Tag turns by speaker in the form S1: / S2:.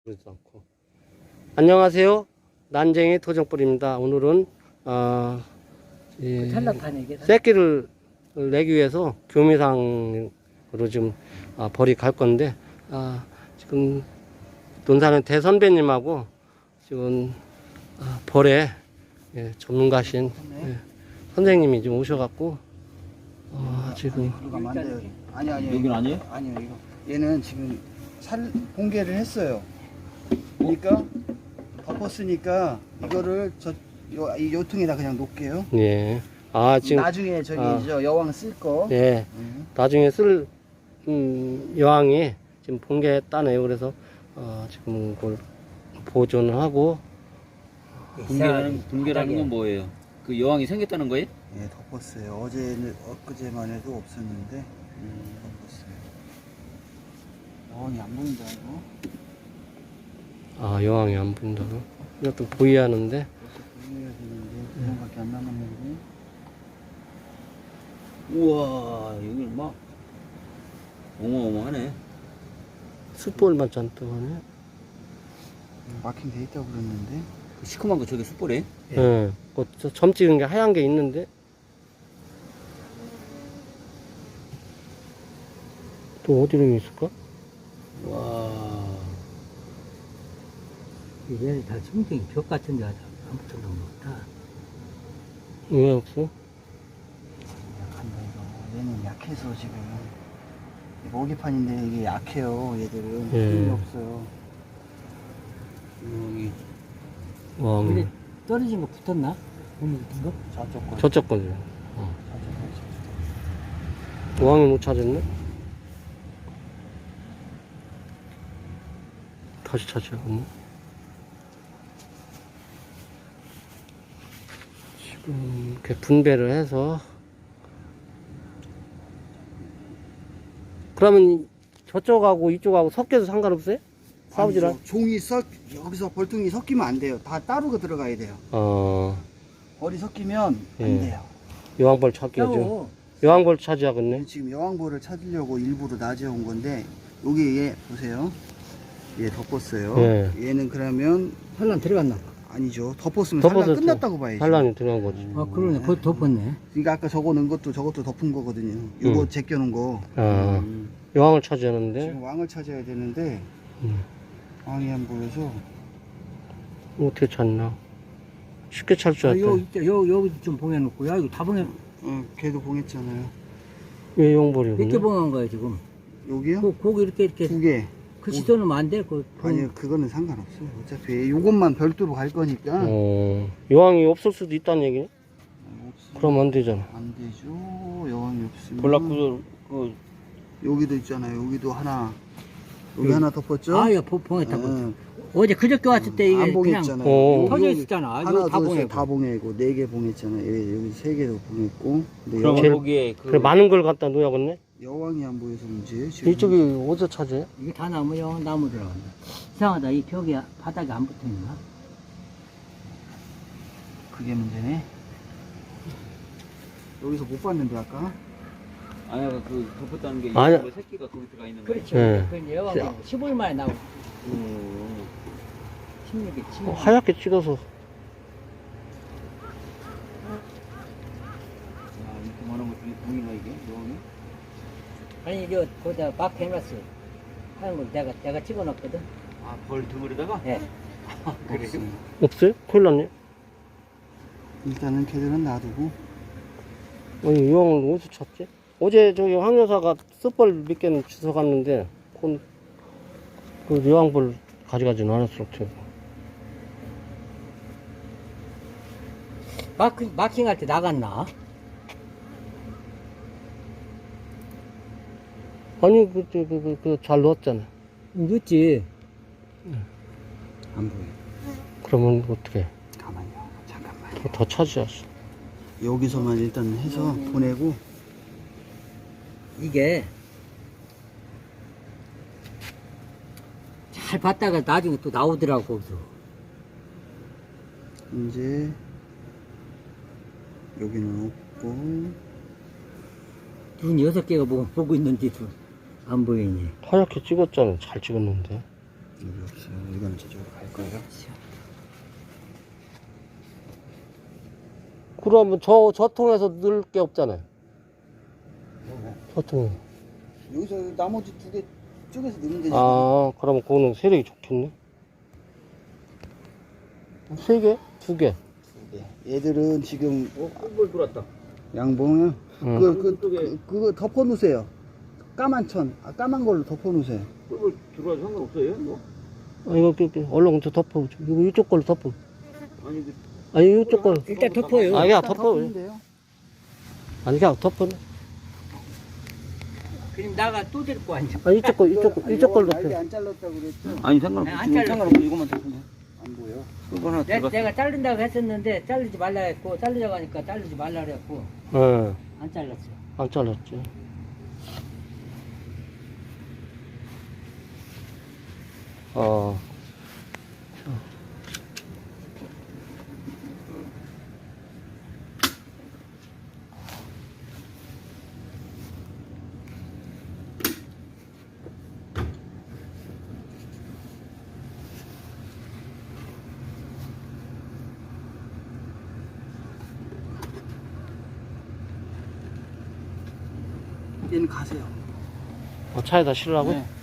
S1: 그러지도 않고. 안녕하세요. 난쟁이 토종뿔입니다. 오늘은 이 새끼를 내기 위해서 교미상으로 지금 벌이 갈 건데 지금 논사는 대선배님하고 지금 벌에 전문가신 선생님이 지금 오셔갖고 지금
S2: 아니
S3: 여긴 아니에요?
S2: 아니요 이거 얘는 지금 공개를 했어요. 그러니까 덮었으니까 이거를 요 통에다 그냥 놓을게요.
S1: 예. 지금
S2: 나중에 저기 여왕 쓸 거.
S1: 예. 나중에 쓸 여왕이 지금 봉개했다네요. 그래서 지금 그걸 보존을 하고.
S3: 붕괴라는 건 뭐예요? 그 여왕이 생겼다는 거예요?
S2: 예, 덮었어요. 어제는 엊그제만 해도 없었는데 덮었어요. 여왕이 안 보인다 이거.
S1: 여왕이 안 보인다고? 이것도 보여야 하는데.
S2: 보여야 되는데 그냥밖에 안 남았는데.
S3: 우와, 여기 막 어마어마하네.
S1: 숯볼만 잔뜩 하네.
S2: 마킹 돼 있다고 그랬는데.
S3: 그 시커먼 거 저게 숯불이에요?
S1: 예. 점 찍은 게 하얀 게 있는데. 또 어디로 있을까?
S3: 와.
S4: 얘는 다 성격이 벽 같은 데 아무튼 너무 없다.
S1: 왜 없어?
S2: 약한다 이거. 얘는 약해서 지금 모기판인데 이게 약해요. 얘들은 힘이 없어요.
S3: 여기
S4: 근데 떨어진 거 붙었나? 오늘 붙은 거?
S2: 저쪽 거.
S1: 저쪽 거지. 왕이 못 찾았네? 다시 찾아야겠네. 지금 이렇게 분배를 해서. 그러면 저쪽하고 이쪽하고 섞여서 상관없어요? 싸우지라?
S2: 종이 여기서 벌통이 섞이면 안 돼요. 다 따로 들어가야 돼요. 벌이 섞이면
S1: 예.
S2: 안 돼요.
S1: 여왕벌 찾기죠. 여왕벌 찾아야겠네.
S2: 지금 여왕벌을 찾으려고 일부러 낮에 온 건데 여기 얘 보세요. 얘 덮었어요.
S1: 예.
S2: 얘는 그러면
S4: 산란 들어갔나?
S2: 아니죠. 덮었으면
S1: 덮어서
S2: 산란 끝났다고 봐야죠.
S1: 산란이 들어간 거지.
S4: 그러네. 거기 덮었네.
S2: 그러니까 아까 저거 넣은 것도 저것도 덮은 거거든요. 요거 제껴놓은 거.
S1: 여왕을 찾아야하는데.
S2: 지금 왕을 찾아야 되는데
S1: 음.
S2: 왕이 안 보여서
S1: 어떻게 찾나? 쉽게 찾을 줄 알았다.
S4: 여기 좀 봉해놓고. 야, 이거 다 봉해.
S2: 걔도 봉했잖아요.
S1: 왜 용벌이군요?
S4: 몇 개 봉한 거야, 지금?
S2: 여기요?
S4: 고기 이렇게.
S2: 2개.
S4: 글씨 써놓으면 안 돼?
S2: 아니요, 그거는 상관없어요. 어차피 요것만 별도로 갈 거니까.
S1: 여왕이 없을 수도 있다는 얘기네? 그럼 안 되잖아.
S2: 안 되죠. 여왕이 없으면.
S3: 볼락구조 그
S2: 여기도 있잖아요. 여기도 하나. 여기 하나 덮었죠?
S4: 야, 봉했다. 어제 그저께 왔을 때 이게
S2: 안
S4: 그냥
S2: 봉했잖아요.
S4: 터져 있었잖아.
S2: 하나,
S4: 이거 다
S2: 둘, 셋
S4: 봉했고.
S2: 다 봉해고 4개 봉했잖아요. 여기 3개도 봉했고. 근데
S3: 그럼
S1: 제일-
S3: 거기에 그
S1: 그래, 많은 걸 갖다 놓아야겠네?
S2: 여왕이 안 보여서 문제예요. 지금.
S1: 이쪽이 어디서 찾아요?
S4: 이게 다 나무 들어간다. 이상하다. 이 벽에 바닥에 안 붙어 있나?
S2: 그게 문제네. 여기서 못 봤는데 아까.
S3: 아니 그 덮었다는 게
S1: 아니야.
S3: 이 새끼가 거기 들어가 있는 거예요?
S4: 그렇죠.
S1: 예.
S4: 그 여왕이 15일 만에 나오고. 16일, 16일.
S1: 하얗게 찍어서.
S3: 이렇게 많은 것들이 보이나 이게 여왕이?
S4: 아니, 이거 거기다 막 해놨어. 하는 걸 내가 찍어놨거든.
S3: 벌 등을에다가?
S4: 예.
S3: 그래요?
S1: 없어요? 큰일 났네.
S2: 일단은 걔들은 놔두고.
S1: 아니, 여왕을 어디서 찾지? 어제 저기 황 여사가 숯벌 몇 개는 주워갔는데, 그 여왕벌 가져가지는 않았을 테고.
S4: 마킹할 때 나갔나?
S1: 아니, 잘 넣었잖아.
S4: 늦지.
S2: 안 보여.
S1: 그러면 어떻게?
S2: 가만요. 잠깐만.
S1: 더 찾아야지.
S2: 여기서만 일단 해서 보내고.
S4: 이게 잘 봤다가 나중에 또 나오더라고. 거기서.
S2: 이제 여기는 없고.
S4: 눈 6개가 보고 있는데도 안 보이니.
S1: 하얗게 찍었잖아. 잘 찍었는데.
S2: 여기 없어요. 이건 저쪽으로 갈 거예요.
S1: 그러면 저 통에서 넣을 게 없잖아요. 저 통.
S2: 여기서 나머지 두 개 쪼개서 넣으면 되지.
S1: 아, 그러면 그거는 세력이 좋겠네. 세 개? 두 개?
S2: 두 개. 얘들은 지금
S3: 꿀벌 들어왔다.
S2: 양봉이요.
S1: 응.
S2: 그거 덮어 놓으세요. 까만 천, 까만 걸로 덮어 놓으세요.
S3: 꿀벌 들어와도 상관없어요? 뭐?
S1: 아, 이거, 얼른 저 덮어. 이거 이쪽 걸로 덮어.
S3: 아니,
S1: 아니, 이쪽 걸로.
S4: 일단 덮어요.
S1: 아, 그냥
S2: 일단
S1: 덮어.
S2: 덮으면 돼요.
S1: 아니, 그냥 덮어.
S4: 그럼 나가 또 데리고 앉아.
S1: 아, 이쪽 걸로
S2: 날개
S1: 덮어.
S2: 안 잘랐다고 그랬죠?
S3: 아니 상관없어.
S4: 안
S3: 지금
S4: 잘랐어.
S3: 상관없어. 이거만 덮으면.
S2: 안 보여.
S3: 꿀벌 하나 들어갔어.
S4: 내가 자른다고 했었는데 자르지 말라 했고 자르자고 하니까 자르지 말라 그랬고
S1: 예,
S4: 안 잘랐어.
S1: 안 잘랐지. 어.
S2: 얘는 가세요.
S1: 차에다 실으라고?
S2: 네.